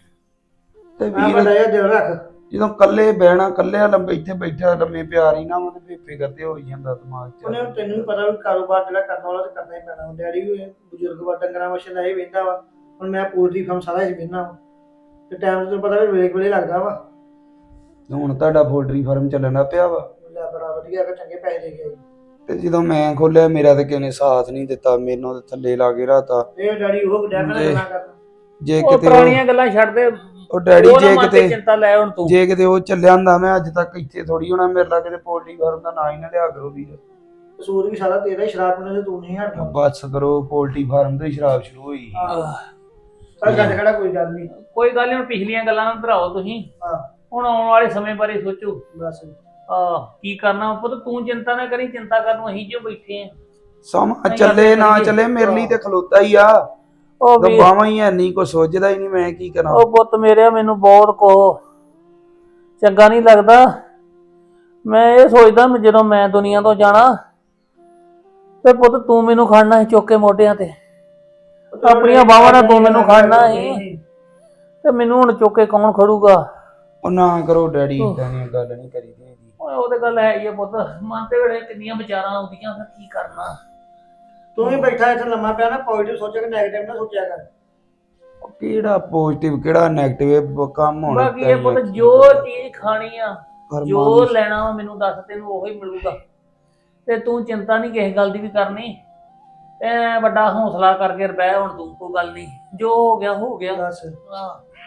[SPEAKER 6] ਤੇ
[SPEAKER 4] ਮੈਂ
[SPEAKER 6] ਵੀਰ
[SPEAKER 4] ਵੱਡਾ ਜਿਹਾ ਦਿਲ ਰੱਖ।
[SPEAKER 6] ਜਦੋਂ ਕੱਲੇ ਬਹਿਣਾ, ਕੱਲੇ ਲੰਬੇ ਇੱਥੇ ਬੈਠਾ ਲੰਮੇ ਪਿਆਰ ਹੀ ਨਾ ਵਾ ਤੇ ਫਿਕਰ ਤੇ ਹੋ ਹੀ ਜਾਂਦਾ ਦਿਮਾਗ 'ਚ।
[SPEAKER 4] ਉਹਨੇ ਤੈਨੂੰ ਵੀ ਪਤਾ ਵੀ ਕਾਰੋਬਾਰ ਜਿਹੜਾ ਕਰਨ ਵਾਲਾ ਤੇ ਕਰਨਾ ਹੀ ਪੈਣਾ। ਡੈਡੀ ਵੀ ਬਜ਼ੁਰਗ ਵਾ, ਡੰਗਰਾਂ ਵਛੇ ਦਾ ਇਹ ਵੇਂਦਾ ਵਾ। ਹੁਣ ਮੈਂ ਪੋਲਟਰੀ ਫਾਰਮ ਸਾਰਾ ਹੀ ਵੇਂਦਾ ਵਾ ਤੇ ਟਾਈਮ ਤੈਨੂੰ ਪਤਾ ਵੀ ਵੇਲੇ ਵੇਲੇ ਲੱਗਦਾ ਵਾ।
[SPEAKER 6] ਹੁਣ ਤੁਹਾਡਾ ਪੋਲਟਰੀ ਫਾਰਮ ਚੱਲਣ ਲੱਗ ਪਿਆ ਵਾ।
[SPEAKER 4] ਲੈ ਬੜਾ ਵਧੀਆ ਹੈਗਾ, ਚੰਗੇ ਪੈਸੇ ਦੇ ਗਏ।
[SPEAKER 6] ਤੇ ਜਦੋਂ ਮੈਂ ਖੋਲਿਆ ਮੇਰਾ ਤੇ ਕਿਸੇ ਨੇ ਸਾਥ ਨਹੀਂ ਦਿੱਤਾ, ਮੈਨੂੰ ਤੇ ਥੱਲੇ ਲਾ ਕੇ ਰਾਤਾ।
[SPEAKER 4] ਇਹ ਡੈਡੀ ਉਹ ਡੈਡ ਨਾਲ ਗੱਲਾਂ ਕਰਦਾ।
[SPEAKER 6] ਜੇ
[SPEAKER 3] ਉਹ
[SPEAKER 6] ਕਿਤੇ
[SPEAKER 3] ਪੁਰਾਣੀਆਂ ਗੱਲਾਂ ਛੱਡ ਦੇ।
[SPEAKER 6] ਉਹ ਡੈਡੀ
[SPEAKER 3] ਉਹ ਨਾ
[SPEAKER 6] ਜੇ
[SPEAKER 3] ਮਨ ਤੇ
[SPEAKER 6] ਕਿਤੇ
[SPEAKER 3] ਚਿੰਤਾ ਲੈ ਹੁਣ ਤੂੰ।
[SPEAKER 6] ਜੇ ਕਿਤੇ ਉਹ ਚੱਲਿਆ ਹੁੰਦਾ ਮੈਂ ਅੱਜ ਤੱਕ ਇੱਥੇ ਥੋੜੀ ਹੋਣਾ। ਮੇਰੇ ਨਾਲ ਕਿਤੇ ਪੋਲਟਰੀ ਫਾਰਮ ਦਾ ਨਾਂ ਹੀ ਨਾ ਲਿਆ ਕਰੋ ਵੀਰ।
[SPEAKER 4] ਕਸੂਰ ਵੀ ਸਾਰਾ ਤੇਰਾ ਹੀ, ਸ਼ਰਾਬ ਪੀਣੇ ਤੇ ਤੂੰ ਨਹੀਂ ਹਟਦਾ।
[SPEAKER 6] ਬਸ ਕਰੋ, ਪੋਲਟਰੀ ਫਾਰਮ ਤੋਂ ਹੀ ਸ਼ਰਾਬ ਸ਼ੁਰੂ ਹੋਈ।
[SPEAKER 4] ਪਰ ਗੱਲ ਕਿਹੜਾ ਕੋਈ ਗੱਲ ਨਹੀਂ।
[SPEAKER 3] ਕੋਈ ਗੱਲ ਨਹੀਂ, ਹੁਣ ਪਿਛਲੀਆਂ ਗੱਲਾਂ ਨੂੰ ਭਰਾਓ ਤੁਸੀਂ।
[SPEAKER 4] ਹਾਂ
[SPEAKER 3] ਹੁਣ ਆਉਣ ਵਾਲੇ ਸਮੇਂ ਬਾਰੇ ਸੋਚੋ।
[SPEAKER 4] ਬਸ
[SPEAKER 3] ਆਹ ਕੀ ਕਰਨਾ ਪੁੱਤ, ਤੂੰ ਚਿੰਤਾ ਨਾ ਕਰੀ। ਚਿੰਤਾ ਕਰਨ ਨੂੰ ਅਸੀਂ ਜੋ ਬੈਠੇ ਆ।
[SPEAKER 6] ਸਮਾਂ ਚੱਲੇ ਨਾ ਚੱਲੇ ਮੇਰੇ ਲਈ ਤੇ ਖਲੋਤਾ ਹੀ ਆ।
[SPEAKER 3] ਉਹ ਵੀ
[SPEAKER 6] ਦਬਾਵਾਂ ਹੀ ਐ ਨਹੀਂ, ਕੋਈ ਸੋਚਦਾ ਹੀ ਨਹੀਂ ਮੈਂ ਕੀ ਕਰਾਂ।
[SPEAKER 3] ਉਹ ਪੁੱਤ ਮੇਰੇ, ਮੈਨੂੰ ਬਹੁਤ ਕੋ ਚੰਗਾ ਨਹੀਂ ਲੱਗਦਾ। ਮੈਂ ਇਹ ਸੋਚਦਾ ਜਦੋਂ ਮੈਂ ਦੁਨੀਆ ਤੋਂ ਜਾਣਾ ਤੇ ਪੁੱਤ ਤੂੰ ਮੈਨੂੰ ਖੜਨਾ ਸੀ ਚੁੱਕ ਕੇ ਮੋਢਿਆਂ ਤੇ। ਆਪਣੀਆਂ ਬਾਹਾਂ ਨਾਲ ਤੂੰ ਮੈਨੂੰ ਖੜਨਾ ਸੀ ਤੇ ਮੈਨੂੰ ਹੁਣ ਚੁੱਕ ਕੇ ਕੌਣ ਖੜੂਗਾ?
[SPEAKER 6] ਉਹ ਨਾ ਕਰੋ ਡੈਡੀ, ਇਦਾਂ ਦੀ ਗੱਲ ਨਹੀਂ ਕਰੀਦੀ ਹੈਗੀ।
[SPEAKER 3] ਓਏ ਉਹ ਤੇ ਗੱਲ ਹੈ ਹੀ ਆ ਪੁੱਤ। ਮਨ ਤੇ ਵੇਲੇ ਕਿੰਨੀਆਂ ਵਿਚਾਰਾਂ ਆਉਂਦੀਆਂ, ਫਿਰ ਕੀ ਕਰਨਾ।
[SPEAKER 4] ਤੂੰ ਵੀ ਬੈਠਾ ਇੱਥੇ ਲੰਮਾ ਪਿਆ ਨਾ, ਪੋਜ਼ਿਟਿਵ ਸੋਚਿਆ ਕਿ ਨੈਗੇਟਿਵ ਨਾ ਸੋਚਿਆ ਕਰ।
[SPEAKER 6] ਕਿਹੜਾ ਪੋਜ਼ਿਟਿਵ ਕਿਹੜਾ ਨੈਗੇਟਿਵ ਕੰਮ ਹੋਣਾ।
[SPEAKER 3] ਬਾਕੀ ਇਹ ਪੁੱਤ ਜੋ ਚੀਜ਼ ਖਾਣੀ ਆ, ਜੋ ਲੈਣਾ ਵਾ, ਮੈਨੂੰ ਦੱਸ, ਤੈਨੂੰ ਉਹੀ ਮਿਲੂਗਾ। ਤੇ ਤੂੰ ਚਿੰਤਾ ਨਹੀਂ ਕਿਸੇ ਗੱਲ ਦੀ ਵੀ ਕਰਨੀ। ਐ ਵੱਡਾ ਹੌਸਲਾ ਕਰਕੇ ਰਹਿ ਹੁਣ ਤੂੰ। ਕੋਈ ਗੱਲ ਨਹੀਂ, ਜੋ ਹੋ ਗਿਆ ਹੋ ਗਿਆ।
[SPEAKER 4] ਬਸ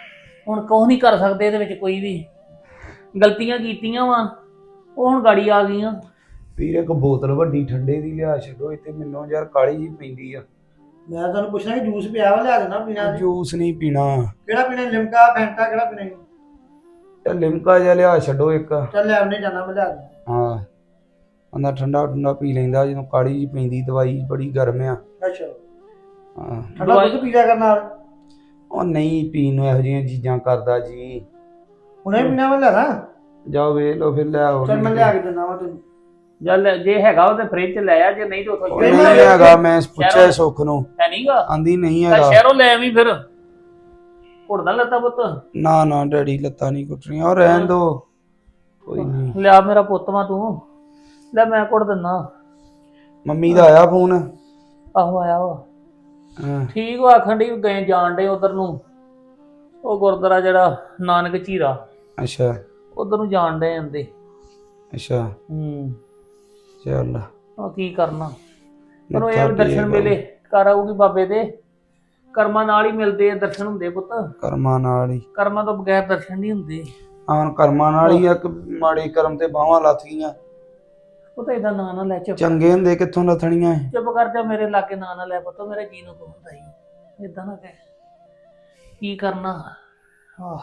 [SPEAKER 3] ਹੁਣ ਕੁਛ ਨਹੀਂ ਕਰ ਸਕਦੇ ਇਹਦੇ ਵਿੱਚ ਕੋਈ ਵੀ। ਗਲਤੀਆਂ ਕੀਤੀਆਂ ਵਾ, ਉਹ ਹੁਣ ਗਾੜੀ ਆ ਗਈਆਂ।
[SPEAKER 6] ਵੀਰ ਇੱਕ ਬੋਤਲ ਵੱਡੀ ਠੰਡੇ ਦੀ ਲਿਆ ਛੱਡੋ, ਇੱਥੇ ਮੈਨੂੰ ਯਾਰ ਕਾਲੀ ਜੀ ਪੈਂਦੀ ਆ।
[SPEAKER 4] ਮੈਂ ਤੁਹਾਨੂੰ ਪੁੱਛਣਾ ਕਿ ਜੂਸ ਪਿਆ ਵਾ ਲਿਆ ਦੇਣਾ ਪੀਣਾ ਜੀ।
[SPEAKER 6] ਜੂਸ ਨਹੀਂ ਪੀਣਾ।
[SPEAKER 4] ਕਿਹੜਾ ਪੀਣਾ, ਲਿਮਕਾ ਫੈਂਟਾ ਕਿਹੜਾ ਪੀਣਾ ਜੀ?
[SPEAKER 6] ਤੇ ਲਿਮਕਾ ਜਿਹਾ ਲਿਆ ਛੱਡੋ ਇੱਕ।
[SPEAKER 4] ਚੱਲ ਲੈ ਆਉਣੇ ਜਾਣਾ ਮੈਂ ਲਿਆ ਦਿੰਦਾ।
[SPEAKER 6] ਹਾਂ ਬੰਦਾ ਠੰਡਾ ਠੰਡਾ ਪੀ ਲੈਂਦਾ ਜਦੋਂ ਕਾਲੀ ਜੀ ਪੈਂਦੀ, ਦਵਾਈ ਬੜੀ ਗਰਮ ਆ।
[SPEAKER 4] ਅੱਛਾ
[SPEAKER 6] ਹਾਂ
[SPEAKER 4] ਠੰਡਾ ਦੁੱਧ ਪੀ ਲਿਆ ਕਰ ਨਾਲ।
[SPEAKER 6] ਉਹ ਨਹੀਂ ਪੀਣ ਨੂੰ ਇਹੋ ਜਿਹੀਆਂ ਚੀਜ਼ਾਂ ਕਰਦਾ ਜੀ।
[SPEAKER 4] ਹੁਣੇ ਪੀਣਾ ਵਾ ਲੈਣਾ।
[SPEAKER 6] ਜਾਓ ਵੇਖ ਲਓ ਫਿਰ ਲੈ ਆਓ।
[SPEAKER 4] ਚੱਲ ਮੈਂ ਲਿਆ ਕੇ ਦਿੰਦਾ ਵਾ ਤੈਨੂੰ।
[SPEAKER 3] ਜਲ ਜੇ ਹੈਗਾ ਉਹ ਤੇ ਫ੍ਰਿਜ ਚ ਲੈ ਆ, ਜੇ ਨਹੀਂ ਤਾਂ ਉੱਥੋਂ
[SPEAKER 6] ਉਹ ਨਹੀਂ ਹੈਗਾ, ਮੈਂ ਪੁੱਛਿਆ ਸੁੱਖ ਨੂੰ,
[SPEAKER 3] ਹੈ ਨਹੀਂਗਾ।
[SPEAKER 6] ਆਂਦੀ ਨਹੀਂ
[SPEAKER 3] ਤਾਂ
[SPEAKER 6] ਹੈਗਾ।
[SPEAKER 3] ਸ਼ਹਿਰੋਂ ਲੈ ਆਵੀਂ ਫਿਰ। ਘੁੱਟਦਾ ਲੱਤਾ ਪੁੱਤ।
[SPEAKER 6] ਨਾ ਨਾ ਡੈਡੀ ਲੱਤਾਂ ਨਹੀਂ ਕੁੱਟਣੀਆਂ, ਉਹ ਰਹਿਣ ਦੋ ਕੋਈ ਨਹੀਂ।
[SPEAKER 3] ਲਿਆ ਮੇਰਾ ਪੁੱਤ ਵਾ ਤੂੰ, ਲੈ ਮੈਂ ਘੁੱਟ ਦਿੰਦਾ।
[SPEAKER 6] ਮੰਮੀ ਦਾ ਆਇਆ ਫੋਨ?
[SPEAKER 3] ਆਹੋ ਆਇਆ ਵਾ।
[SPEAKER 6] ਹਾਂ
[SPEAKER 3] ਠੀਕ ਵਾ, ਆਖਣ ਡਈ ਗਏ ਜਾਣ ਡੇ ਉਧਰ ਨੂੰ, ਉਹ ਗੁਰਦੁਆਰਾ ਜਿਹੜਾ ਨਾਨਕ ਝੀਰਾ,
[SPEAKER 6] ਅੱਛਾ
[SPEAKER 3] ਉਧਰ ਨੂੰ ਜਾਣ ਡੇ ਜਾਂਦੇ।
[SPEAKER 6] ਅੱਛਾ
[SPEAKER 3] ਹੂੰ
[SPEAKER 6] ਚੱਲ
[SPEAKER 3] ਉਹ ਕੀ ਕਰਨਾ, ਪਰ ਉਹ
[SPEAKER 6] ਮੱਥਾ
[SPEAKER 3] ਇਹ ਦਰਸ਼ਨ
[SPEAKER 6] ਟੇਕ
[SPEAKER 3] ਵੇਲੇ ਕਰ ਆਊਗੀ ਬਾਬੇ ਦੇ। ਕਰਮਾਂ ਨਾਲ ਹੀ ਮਿਲਦੇ ਆ ਦਰਸ਼ਨ, ਹੁੰਦੇ ਪੁੱਤ।
[SPEAKER 6] ਕਰਮਾਂ ਨਾਲ ਹੀ।
[SPEAKER 3] ਕਰਮਾਂ ਤੋਂ ਬਗੈਰ ਦਰਸ਼ਨ ਨਹੀਂ ਹੁੰਦੇ।
[SPEAKER 6] ਆਨ ਕਰਮਾਂ ਨਾਲ ਹੀ ਇੱਕ ਮਾੜੇ ਕਰਮ ਤੇ ਬਾਹਾਂ ਲੱਥ ਗਈਆਂ।
[SPEAKER 3] ਉਹ ਤਾਂ ਏਦਾਂ ਨਾਂ ਨਾ ਲੈ, ਚੁੱਪ
[SPEAKER 6] ਚੰਗੇ ਹੁੰਦੇ ਕਿੱਥੋਂ ਲੱਥਣੀਆਂ?
[SPEAKER 3] ਚੁੱਪ ਕਰ ਜਾ, ਮੇਰੇ ਲਾਗੇ ਨਾਂ ਨਾ ਲੈ ਪੁੱਤ, ਮੇਰੇ ਜੀ ਨੂੰ ਹੁੰਦਾ ਹੀ ਏਦਾਂ ਨਾ ਕਹਿ। ਕੀ ਕਰਨਾ। ਆਹ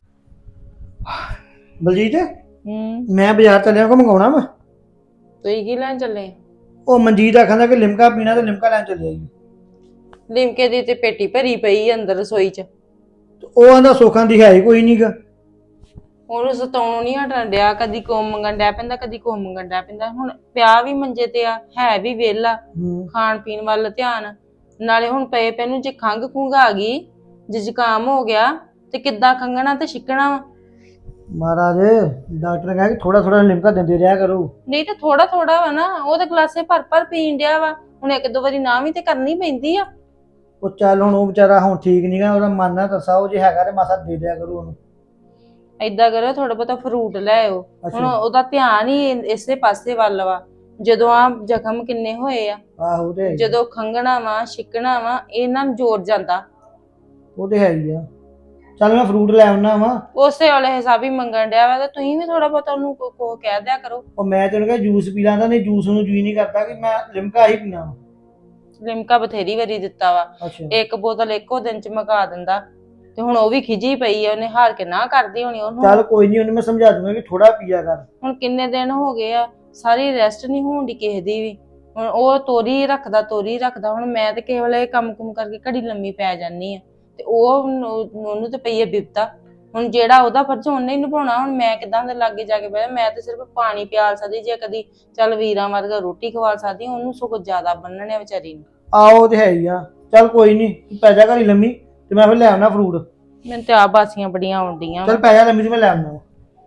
[SPEAKER 4] ਬਲਜੀਤ
[SPEAKER 5] ਹੂੰ
[SPEAKER 4] ਮੈਂ ਬਾਜ਼ਾਰ ਚੱਲਿਆ, ਕੋ ਮੰਗਾਉਣਾ ਵਾ।
[SPEAKER 5] ਤੁਸੀਂ ਕੀ ਲੈਣ ਚੱਲੇ?
[SPEAKER 4] ਉਹ ਮਨਜੀਤ ਆਖਦਾ ਕਿ ਲਿਮਕਾ ਪੀਣਾ ਤੇ ਲਿਮਕਾ ਲੈਣ ਚੱਲਿਆ ਜੀ।
[SPEAKER 5] ਲਿਮਕੇ ਦੀ ਤੇ ਪੇਟੀ ਭਰੀ ਪਈ ਅੰਦਰ ਰਸੋਈ 'ਚ।
[SPEAKER 4] ਤੇ ਉਹ ਆਂਦਾ ਸੁੱਖਾਂ ਦੀ ਹੈ ਹੀ ਕੋਈ ਨਹੀਂਗਾ।
[SPEAKER 5] ਉਹਨੂੰ ਸਤਾਉਣੋਂ ਨਹੀਂ ਹਟਣ ਡਿਆ, ਕਦੀ ਕੋ ਮੰਗਣ ਡਿਆ ਪੈਂਦਾ, ਕਦੀ ਕੋ ਮੰਗਣ ਡਿਆ ਪੈਂਦਾ। ਹੁਣ ਪਿਆ ਵੀ ਮੰਜੇ ਤੇ ਆ, ਹੈ ਵੀ ਵਿਹਲਾ, ਖਾਣ ਪੀਣ ਵੱਲ ਧਿਆਨ। ਨਾਲੇ ਹੁਣ ਪਏ ਪੈ ਨੂੰ ਜੇ ਖੰਘ ਖੁੰਘ ਆ ਗਈ, ਜੇ ਜ਼ੁਕਾਮ ਹੋ ਗਿਆ ਤੇ ਕਿੱਦਾਂ ਖੰਘਣਾ ਤੇ ਛਿੱਕਣਾ ਵਾ।
[SPEAKER 4] ਮਹਾਰਾਜ ਡਾਕਟਰ ਨੇ ਕਿਹਾ ਕਿ ਥੋੜਾ ਥੋੜਾ ਲਿਮਕਾ ਦਿੰਦੇ ਰਿਹਾ ਕਰੋ।
[SPEAKER 5] ਨਹੀਂ ਤਾਂ ਥੋੜਾ ਥੋੜਾ ਵਾ ਨਾ, ਉਹ ਤਾਂ ਗਲਾਸੇ ਭਰ ਭਰ ਪੀਣ ਡਿਆ ਵਾ। ਹੁਣ ਇੱਕ ਦੋ ਵਾਰੀ ਨਾ ਵੀ ਤੇ ਕਰਨੀ ਪੈਂਦੀ ਆ।
[SPEAKER 4] ਉਹ ਚੱਲ ਹੁਣ ਉਹ ਵਿਚਾਰਾ ਹੁਣ ਠੀਕ ਨਹੀਂਗਾ, ਉਹਦਾ ਮਨ ਨਾ ਦੱਸਾ, ਉਹ ਜੇ ਹੈਗਾ ਤੇ ਮਾਸਾ ਦੇ ਦਿਆ ਕਰੋ ਉਹਨੂੰ।
[SPEAKER 5] ਏਦਾਂ ਕਰੋ, ਥੋੜਾ ਬਹੁਤਾ ਫਰੂਟ ਲੈ ਆਓ। ਹੁਣ
[SPEAKER 4] ਅੱਛਾ
[SPEAKER 5] ਉਹਦਾ ਧਿਆਨ ਹੀ ਇਸੇ ਪਾਸੇ ਵੱਲ ਵਾ। ਜਦੋਂ ਆ ਜ਼ਖਮ ਕਿੰਨੇ ਹੋਏ ਆ,
[SPEAKER 4] ਆਹੋ ਤੇ ਹੈ ਹੀ ਆ।
[SPEAKER 5] ਜਦੋਂ ਖੰਘਣਾ ਵਾ ਛਿੱਕਣਾ ਵਾ, ਇਹਨਾਂ ਨੂੰ ਜ਼ੋਰ ਜਾਂਦਾ।
[SPEAKER 4] ਉਹ ਤੇ ਹੈ ਹੀ ਆ। ਚੱਲ ਮੈਂ ਫਰੂਟ ਲੈ ਆਉਣਾ ਵਾ।
[SPEAKER 5] ਉਸੇ ਵਾਲੇ ਹਿਸਾਬ ਹੀ ਮੰਗਣ ਡਿਆ ਵਾ, ਤੇ ਤੁਸੀਂ ਵੀ ਥੋੜਾ ਬਹੁਤਾ ਉਹਨੂੰ ਕੋ ਕੋ ਕਹਿ ਦਿਆ ਕਰੋ।
[SPEAKER 4] ਉਹ ਮੈਂ ਤੈਨੂੰ ਕਿਹਾ ਜੂਸ ਪੀ ਲੈਂਦਾ, ਨਹੀਂ ਜੂਸ ਨੂੰ ਜੀ ਨਹੀਂ ਕਰਦਾ ਕਿ ਮੈਂ ਲਿਮਕਾ ਹੀ ਪੀਣਾ ਵਾ।
[SPEAKER 5] ਲਿਮਕਾ ਬਥੇਰੀ ਵਾਰੀ ਦਿੱਤਾ ਵਾ,
[SPEAKER 4] ਅੱਛਾ
[SPEAKER 5] ਇੱਕ ਬੋਤਲ ਇੱਕੋ ਦਿਨ ਚ ਮੁਕਾ ਦਿੰਦਾ। ਤੇ ਹੁਣ ਉਹ ਵੀ ਖਿਜੀ ਪਈ ਆ, ਉਹਨੇ ਹਾਰ ਕੇ ਨਾ ਕਰਦੀ ਹੋਣੀ ਉਹਨੂੰ।
[SPEAKER 4] ਚੱਲ ਕੋਈ ਨਹੀਂ, ਉਹਨੂੰ ਮੈਂ ਸਮਝਾ ਦੂੰਗਾ ਕਿ ਥੋੜਾ ਪੀਆ ਕਰ।
[SPEAKER 5] ਹੁਣ ਕਿੰਨੇ ਦਿਨ ਹੋ ਗਏ ਆ, ਸਾਰੀ ਰੈਸਟ ਨਹੀਂ ਹੋਣ ਦੀ ਕਿਸੇ ਦੀ ਵੀ। ਹੁਣ ਉਹ ਤੋਰੀ ਰੱਖਦਾ ਤੋਰੀ ਰੱਖਦਾ। ਹੁਣ ਮੈਂ ਤੇ ਕਿਸੇ ਵੇਲੇ ਕੰਮ ਕੁਮ ਕਰਕੇ ਘੜੀ ਲੰਮੀ ਪੈ ਜਾਂਦੀ ਆ, ਤੇ ਉਹ ਉਹਨੂੰ ਤੇ ਪਈ ਆ ਬਿਪਤਾ। ਹੁਣ ਜਿਹੜਾ ਉਹਦਾ ਫਰਜ਼ ਉਹਨੇ ਹੀ ਨਿਭਾਉਣਾ। ਹੁਣ ਮੈਂ ਕਿਦਾਂ ਦੇ ਲਾਗੇ ਜਾ ਕੇ ਬਹਿ, ਮੈਂ ਤੇ ਸਿਰਫ ਪਾਣੀ ਪਿਆਲ ਸਕਦੀ, ਜੇ ਕਦੀ ਚੱਲ ਵੀਰਾਂ ਵਰਗਾ ਰੋਟੀ ਖਵਾ ਸਕਦੀ, ਉਹਨੂੰ ਸਗੋਂ ਜ਼ਿਆਦਾ ਬੰਨਣੇ ਵਿਚਾਰੀ ਨੂੰ।
[SPEAKER 4] ਆਹੋ ਤੇ ਹੈ ਹੀ ਆ। ਚੱਲ ਕੋਈ ਨਹੀਂ, ਪੈ ਜਾ ਘੜੀ ਲੰਮੀ ਤੇ ਮੈਂ ਫਿਰ ਲੈ ਆਉਣਾ ਫਰੂਟ।
[SPEAKER 5] ਮੈਨੂੰ ਤੇ ਆ ਬਾਸੀਆਂ ਬੜੀਆਂ ਆਉਂਦੀਆਂ।
[SPEAKER 4] ਚੱਲ ਪੈ ਜਾ ਲੰਮੀ ਤੇ ਮੈਂ ਲੈ ਆਉਣਾ।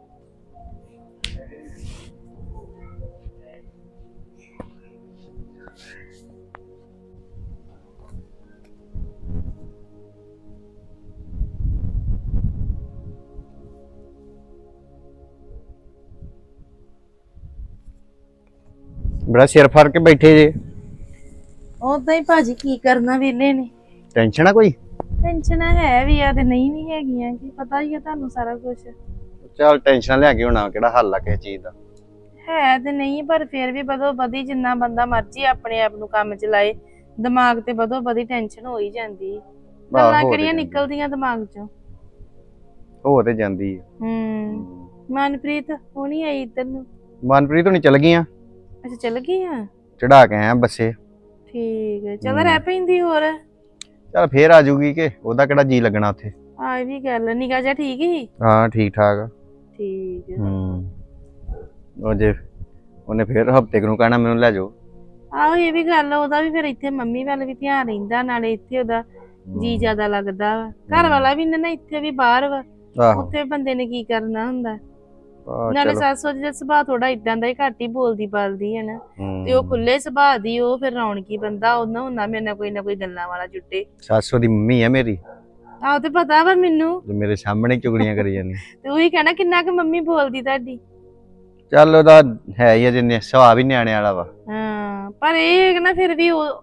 [SPEAKER 7] ਬੜਾ ਸਿਰ ਫੜ ਕੇ ਬੈਠੇ ਜੇ।
[SPEAKER 5] ਉਦਾਂ ਹੀ ਭਾਜੀ ਕੀ ਕਰਨਾ ਵਿਹਲੇ ਨੇ।
[SPEAKER 7] ਟੈਨਸ਼ਨ ਆ ਕੋਈ?
[SPEAKER 5] ਟੈਨਸ਼ਨ ਹੈ ਵੀ ਆ ਤੇ ਨਹੀਂ ਵੀ ਹੈਗੀਆਂ, ਕੀ ਪਤਾ ਹੀ ਆ ਤੁਹਾਨੂੰ ਸਾਰਾ ਕੁਝ।
[SPEAKER 7] ਚੱਲ ਟੈਨਸ਼ਨ ਲਿਆ ਕੇ ਹੋਣਾ, ਕਿਹੜਾ ਹੱਲ ਆ ਕਿਸੇ ਚੀਜ਼ ਦਾ?
[SPEAKER 5] ਹੈ ਤੇ ਨਹੀਂ, ਪਰ ਫਿਰ ਵੀ ਬਦੋ ਬਦੀ ਜਿੰਨਾ ਬੰਦਾ ਮਰਜ਼ੀ ਆਪਣੇ ਆਪ ਨੂੰ ਕੰਮ ਚ ਲਾਏ, ਦਿਮਾਗ ਤੇ ਬਦੋ ਬਦੀ ਟੈਨਸ਼ਨ ਹੋ ਹੀ ਜਾਂਦੀ। ਗੱਲਾਂ
[SPEAKER 7] ਹੋ ਤੇ
[SPEAKER 5] ਕਿਹੜੀਆਂ
[SPEAKER 7] ਜਾਂਦੀ।
[SPEAKER 5] ਨਿਕਲਦੀਆਂ ਦਿਮਾਗ ਚੋਂ।
[SPEAKER 7] ਹੋ ਤੇ ਜਾਂਦੀ ਆ।
[SPEAKER 5] ਹੂੰ ਮਨਪ੍ਰੀਤ ਹੁਣੀ ਆਈ ਇੱਧਰ ਨੂੰ।
[SPEAKER 7] ਮਨਪ੍ਰੀਤ ਹੁਣੀ ਚਲ ਗਈਆਂ,
[SPEAKER 5] ਅੱਛਾ ਚੱਲ ਗਈ ਆ।
[SPEAKER 7] ਚੜਾ ਕੇ ਆਇਆ ਬੱਸੇ।
[SPEAKER 5] ਠੀਕ ਹੈ, ਚਲ ਰਹਿ ਪੈਂਦੀ ਹੋਰ।
[SPEAKER 7] ਚੱਲ ਫੇਰ ਆ ਜਾਊਗੀ, ਕਿ ਉਹਦਾ ਕਿਹੜਾ ਜੀ ਲੱਗਣਾ ਉੱਥੇ।
[SPEAKER 5] ਆ ਇਹ ਵੀ ਗੱਲ, ਨਿਗਾਹ ਜਾ ਠੀਕ ਹੀ।
[SPEAKER 7] ਹਾਂ ਠੀਕ ਠਾਕ ਆ।
[SPEAKER 5] ਠੀਕ ਹੈ।
[SPEAKER 7] ਹੂੰ ਉਹ ਜੇ ਉਹਨੇ ਫੇਰ ਹਫਤੇ ਨੂੰ ਕਹਿਣਾ ਮੈਨੂੰ ਲੈ ਜਾਓ।
[SPEAKER 5] ਆਹੋ ਇਹ ਵੀ ਗੱਲ, ਉਹਦਾ ਵੀ ਫਿਰ ਇੱਥੇ ਮੰਮੀ ਵੱਲ ਵੀ ਧਿਆਨ ਰਹਿੰਦਾ, ਨਾਲੇ ਇੱਥੇ ਉਹਦਾ ਜੀ ਜ਼ਿਆਦਾ ਲੱਗਦਾ ਵਾ। ਘਰ ਵਾਲਾ ਵੀ ਨਾ ਇੱਥੇ ਵੀ ਬਾਹਰ ਵਾ,
[SPEAKER 7] ਆਹੋ
[SPEAKER 5] ਉੱਥੇ ਬੰਦੇ ਨੇ ਕੀ ਕਰਨਾ ਹੁੰਦਾ।
[SPEAKER 7] ਆਹ
[SPEAKER 5] ਨਾਲੇ
[SPEAKER 7] ਚਲੋ।
[SPEAKER 5] ਸੱਸ ਉਹਦੀ ਦਾ ਸੁਭਾਅ ਥੋੜਾ ਇਦਾਂ ਦਾ ਹੀ, ਘੱਟ ਹੀ ਬੋਲਦੀ ਬਾਲਦੀ ਹੈ ਨਾ,
[SPEAKER 7] ਹੂੰ।
[SPEAKER 5] ਤੇ ਉਹ ਖੁੱਲੇ ਸੁਭਾਅ ਦੀ, ਉਹ ਫਿਰ ਰੌਣਕੀ ਬੰਦਾ। ਉਹਨਾਂ ਹੁੰਦਾ ਮੇਰੇ ਨਾਲ ਕੋਈ ਨਾ ਕੋਈ ਗੱਲਾਂ ਵਾਲਾ ਜੁੱਟੇ।
[SPEAKER 7] ਸੱਸ ਉਹਦੀ ਮੰਮੀ ਆ ਮੇਰੀ,
[SPEAKER 5] ਆਹੋ ਤੇ ਪਤਾ ਵਾ ਮੈਨੂੰ,
[SPEAKER 7] ਜੋ ਮੇਰੇ ਸਾਹਮਣੇ ਚੁਗਲੀਆਂ ਕਰੀ ਜਾਂਦੀ।
[SPEAKER 5] ਤੇ ਉਹੀ ਕਹਿਣਾ ਕਿੰਨਾ ਕੁ ਮੰਮੀ ਬੋਲਦੀ ਤੁਹਾਡੀ।
[SPEAKER 7] ਚੱਲ ਉਹਦਾ ਹੈ ਹੀ ਆ, ਜਿੰਨੇ ਸੁਭਾਅ ਵੀ ਨਿਆਣੇ ਵਾਲਾ ਵਾ।
[SPEAKER 5] ਹਾਂ ਪਰ ਇਹ ਹੈ ਕਿ ਨਾ ਫਿਰ ਵੀ ਉਹ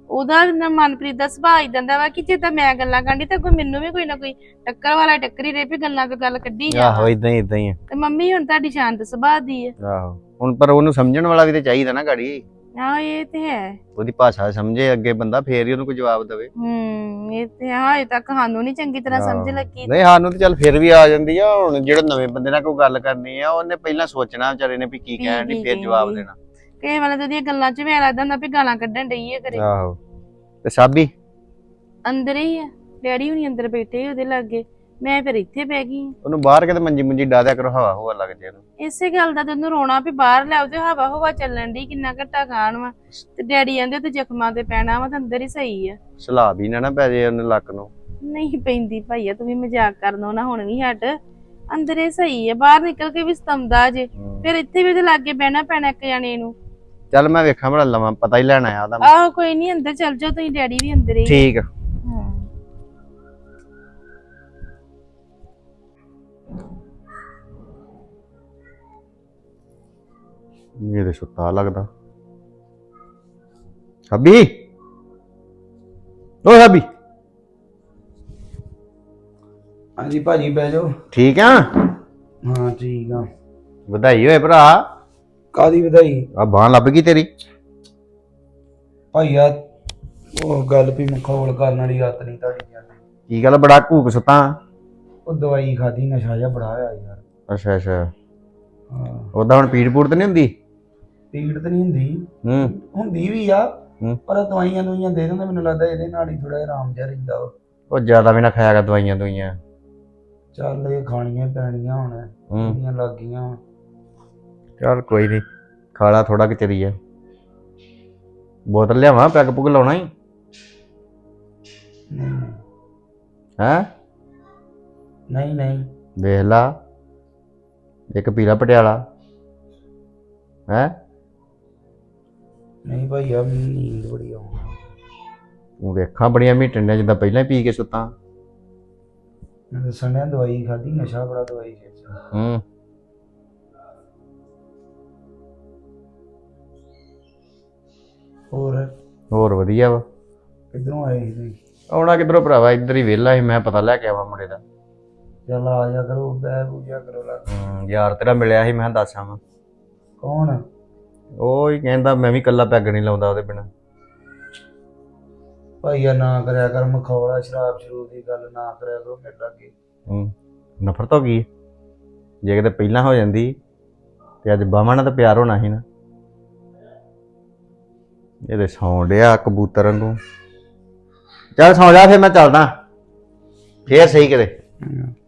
[SPEAKER 5] ਉਹਦਾ ਨਾ ਮਨਪ੍ਰੀਤ ਦਾ ਸੁਭਾਅ ਇਦਾਂ ਦਾ ਵਾ ਕਿ ਜਿੱਦਾਂ ਮੈਂ ਗੱਲਾਂ ਕਰਦੀ ਤੇ ਕੋਈ ਮੈਨੂੰ ਵੀ ਕੋਈ ਨਾ ਕੋਈ ਟੱਕਰ ਵਾਲਾ ਟੱਕਰੀ ਰਹੇ ਵੀ ਗੱਲਾਂ ਤੋਂ ਗੱਲ ਕੱਢੀ
[SPEAKER 7] ਆਹੋ
[SPEAKER 5] ਜਾ।
[SPEAKER 7] ਇਦਾਂ ਹੀ ਇਦਾਂ ਹੀ ਆ।
[SPEAKER 5] ਤੇ ਮੰਮੀ ਹੁਣ ਤੁਹਾਡੀ ਸ਼ਾਂਤ ਸੁਭਾਅ ਦੀ ਹੈ।
[SPEAKER 7] ਆਹੋ ਹੁਣ ਪਰ ਉਹਨੂੰ ਸਮਝਣ ਵਾਲਾ ਵੀ ਤੇ ਚਾਹੀਦਾ ਨਾ ਗਾੜੀ,
[SPEAKER 5] ਹਾਂ ਇਹ ਤੇ ਹੈ।
[SPEAKER 7] ਉਹਦੀ ਭਾਸ਼ਾ ਸਮਝੇ ਅੱਗੇ ਬੰਦਾ, ਫੇਰ ਹੀ ਉਹਨੂੰ ਕੋਈ ਜਵਾਬ ਦੇਵੇ।
[SPEAKER 5] ਹੂੰ ਇਹ ਤੇ ਹਾਂ, ਅਜੇ ਤੱਕ ਸਾਨੂੰ ਨਹੀਂ ਚੰਗੀ ਤਰ੍ਹਾਂ ਸਮਝ ਲੱਗੀ।
[SPEAKER 7] ਨਹੀਂ ਸਾਨੂੰ ਤੇ ਚੱਲ ਫਿਰ ਵੀ ਆ ਜਾਂਦੀ ਆ। ਹੁਣ ਜਿਹੜੇ ਨਵੇਂ ਬੰਦੇ ਨਾਲ ਕੋਈ ਗੱਲ ਕਰਨੀ ਆ ਉਹਨੇ ਪਹਿਲਾਂ ਸੋਚਣਾ ਵਿਚਾਰੇ ਨੇ ਵੀ ਕੀ ਕਹਿਣ ਦੀ, ਫਿਰ ਜਵਾਬ ਦੇਣਾ।
[SPEAKER 5] ਕਈ ਵਾਰ ਤਾਂ ਉਹਦੀਆਂ ਗੱਲਾਂ ਚ ਵੀ ਲੱਗਦਾ ਹੁੰਦਾ ਵੀ ਗਾਲਾਂ ਕੱਢਣ ਡਈ ਹੈ ਕਰੇ।
[SPEAKER 7] ਆਹੋ ਤੇ ਸਾਬੀ
[SPEAKER 5] ਅੰਦਰ ਹੀ ਆ, ਡੈਡੀ ਹੁਣੀ ਅੰਦਰ ਬੈਠੇ ਉਹਦੇ ਲਾਗੇ, ਮੈਂ ਫਿਰ ਇੱਥੇ ਬਹਿ ਗਈ।
[SPEAKER 7] ਉਹਨੂੰ ਬਾਹਰ ਕਿਤੇ ਮੰਜੀ ਮੁੰਜੀ ਡਾ ਦਿਆ ਕਰੋ, ਹਵਾ ਹਵਾ ਲੱਗ ਜੇ ਉਹਨੂੰ।
[SPEAKER 5] ਇਸੇ ਗੱਲ ਦਾ ਤੈਨੂੰ ਰੋਣਾ ਵੀ ਬਾਹਰ ਲਿਆਓ ਤੇ ਹਵਾ ਹਵਾ ਚੱਲਣ ਦੀ, ਕਿੰਨਾ ਘੱਟਾ ਖਾਣ ਵਾ ਤੇ ਡੈਡੀ ਕਹਿੰਦੇ ਤੇ ਜ਼ਖਮਾਂ ਤੇ ਪੈਣਾ ਵਾ ਤੇ ਅੰਦਰ ਹੀ ਸਹੀ ਆ।
[SPEAKER 7] ਸਲਾਬ ਹੀ ਨਾ ਨਾ ਪੈ ਜੇ ਉਹਨੇ ਲੱਕ ਨੂੰ।
[SPEAKER 5] ਨਹੀਂ ਪੈਂਦੀ ਭਾਈਆ, ਤੂੰ ਵੀ ਮਜ਼ਾਕ ਕਰਨੋਂ ਨਾ ਹੁਣ ਵੀ ਹਟ। ਅੰਦਰ ਹੀ ਸਹੀ ਆ, ਬਾਹਰ ਨਿਕਲ ਕੇ ਵੀ ਸਤੰਦਾ ਜੇ, ਫਿਰ ਇੱਥੇ ਵੀ ਉਹਦੇ ਲਾਗੇ ਬਹਿਣਾ ਪੈਣਾ ਇੱਕ ਜਾਣੇ ਨੂੰ।
[SPEAKER 7] ਚੱਲ ਮੈਂ ਵੇਖਾਂ ਬੜਾ ਲਵਾਂ, ਪਤਾ ਹੀ ਲੈਣਾ ਆ ਉਹਦਾ।
[SPEAKER 5] ਆਹੋ ਕੋਈ ਨਹੀਂ, ਅੰਦਰ ਚੱਲ ਜਾਓ ਤੁਸੀਂ, ਡੈਡੀ ਵੀ ਅੰਦਰ ਹੀ।
[SPEAKER 7] ਠੀਕ ਆ। ਮੇਰੇ ਸੁੱਤਾ ਲੱਗਦਾ। ਹੱਬੀ ਓ ਹੱਬੀ,
[SPEAKER 6] ਹਾਂਜੀ ਭਾਜੀ ਬਹਿ ਜਾਓ।
[SPEAKER 7] ਠੀਕ ਆ?
[SPEAKER 6] ਹਾਂ ਠੀਕ ਆ।
[SPEAKER 7] ਵਧਾਈ ਹੋਏ ਭਰਾ।
[SPEAKER 6] ਕਾਦੀ ਵਧਾਈ?
[SPEAKER 7] ਆ ਬਾਂਹ ਲੱਭ ਗਈ ਤੇਰੀ।
[SPEAKER 6] ਭਾਈਆ ਉਹ ਗੱਲ ਵੀ ਮਖੌਲ ਕਰਨ ਵਾਲੀ ਆਦਤ ਨਹੀਂ ਤੁਹਾਡੀ ਯਾਰ।
[SPEAKER 7] ਕੀ ਗੱਲ ਬੜਾ ਘੂਕ ਸੁੱਤਾ?
[SPEAKER 6] ਉਹ ਦਵਾਈ ਖਾਦੀ, ਨਸ਼ਾ ਜਿਹਾ ਬੜਾ ਹੋਇਆ ਯਾਰ।
[SPEAKER 7] ਅੱਛਾ ਅੱਛਾ।
[SPEAKER 6] ਹਾਂ
[SPEAKER 7] ਉਹਦਾ ਹੁਣ ਪੀੜ ਪੂੜ ਤੇ ਨਹੀਂ ਹੁੰਦੀ?
[SPEAKER 6] ਪੀੜ ਤਾਂ ਨਹੀਂ ਹੁੰਦੀ,
[SPEAKER 7] ਹੂੰ
[SPEAKER 6] ਹੁੰਦੀ ਵੀ ਆ
[SPEAKER 7] ਹੂੰ।
[SPEAKER 6] ਪਰ ਦਵਾਈਆਂ ਦੁਈਆਂ ਦੇ ਦਿੰਦੇ, ਮੈਨੂੰ ਲੱਗਦਾ ਇਹਦੇ ਨਾਲ ਹੀ ਥੋੜਾ ਆਰਾਮ ਜਿਹਾ ਰਹਿੰਦਾ ਵਾ।
[SPEAKER 7] ਉਹ ਜ਼ਿਆਦਾ ਵੀ ਨਾ ਖਾਇਆ ਕਰ ਦਵਾਈਆਂ ਦੁਈਆਂ।
[SPEAKER 6] ਚੱਲ ਇਹ ਖਾਣੀਆਂ ਪੈਣੀਆਂ ਹੁਣ,
[SPEAKER 7] ਹੂੰ
[SPEAKER 6] ਜਿਹੜੀਆਂ ਲੱਗ ਗਈਆਂ ਹੁਣ।
[SPEAKER 7] ਚੱਲ ਕੋਈ ਨਹੀਂ, ਖਾਲਾ ਥੋੜਾ ਕਿ ਚਰੀ ਆ। ਬੋਤਲ ਲਿਆਵਾਂ, ਪੈਗ ਪੁਗ ਲਾਉਣਾ ਹੀ
[SPEAKER 6] ਨਹੀਂ
[SPEAKER 7] ਹੈ?
[SPEAKER 6] ਨਹੀਂ ਨਹੀਂ
[SPEAKER 7] ਵੇਖ ਲਾ, ਇੱਕ ਪੀਲਾ ਪਟਿਆਲਾ ਹੈ।
[SPEAKER 6] ਨਹੀਂ ਭਾਈਆ ਮੈਨੂੰ ਨੀਂਦ ਬੜੀ ਆਉਂਦੀ।
[SPEAKER 7] ਤੂੰ ਵੇਖਾਂ ਬੜੀਆਂ ਮੀਟਣ ਦੀਆਂ, ਜਿੱਦਾਂ ਪਹਿਲਾਂ ਹੀ ਪੀ ਕੇ ਸੁੱਤਾ।
[SPEAKER 6] ਮੈਂ ਦੱਸਣ ਡਿਆ ਦਵਾਈ ਖਾਦੀ, ਨਸ਼ਾ ਬੜਾ ਦਵਾਈ ਚ।
[SPEAKER 7] ਹੂੰ
[SPEAKER 6] ਹੋਰ
[SPEAKER 7] ਹੋਰ ਵਧੀਆ ਵਾ।
[SPEAKER 6] ਕਿੱਧਰੋਂ ਆਏ ਸੀ ਤੁਸੀਂ?
[SPEAKER 7] ਆਉਣਾ ਕਿੱਧਰੋਂ ਭਰਾਵਾ, ਇੱਧਰ ਹੀ ਵਿਹਲਾ ਸੀ, ਮੈਂ ਪਤਾ ਲੈ ਕੇ ਆਵਾਂ ਮੁੰਡੇ ਦਾ।
[SPEAKER 6] ਚੱਲ ਆ ਜਾ ਕਰੋ, ਬਹਿ ਬੂਜਾ ਕਰੋ ਲੱਗ।
[SPEAKER 7] ਹੂੰ ਯਾਰ ਤੇਰਾ ਮਿਲਿਆ ਸੀ, ਮੈਂ ਦੱਸ ਆਵਾਂ।
[SPEAKER 6] ਕੌਣ?
[SPEAKER 7] ਉਹ ਹੀ ਕਹਿੰਦਾ ਮੈਂ ਵੀ ਇਕੱਲਾ ਪੈਗ ਨਹੀਂ ਲਾਉਂਦਾ ਉਹਦੇ ਬਿਨਾਂ।
[SPEAKER 6] ਭਾਈਆ ਨਾ ਕਰਿਆ ਕਰ ਮਖੌਲਾ, ਸ਼ਰਾਬ ਸ਼ਰੂਬ ਦੀ ਗੱਲ ਨਾ ਕਰਿਆ ਕਰੋ ਮੇਰੇ ਲਾਗੇ।
[SPEAKER 7] ਹੂੰ ਨਫ਼ਰਤ ਹੋ ਗਈ। ਜੇ ਕਿਤੇ ਪਹਿਲਾਂ ਹੋ ਜਾਂਦੀ ਤੇ ਅੱਜ ਬਾਵਾਂ ਨਾਲ ਤਾਂ ਪਿਆਰ ਹੋਣਾ ਸੀ ਨਾ। ਇਹਦੇ ਸੌਂ ਡਿਆ ਕਬੂਤਰ ਨੂੰ। ਚੱਲ ਸੌਂ ਜਾ, ਫਿਰ ਮੈਂ ਚੱਲਦਾ, ਫੇਰ ਸਹੀ ਕਿਤੇ।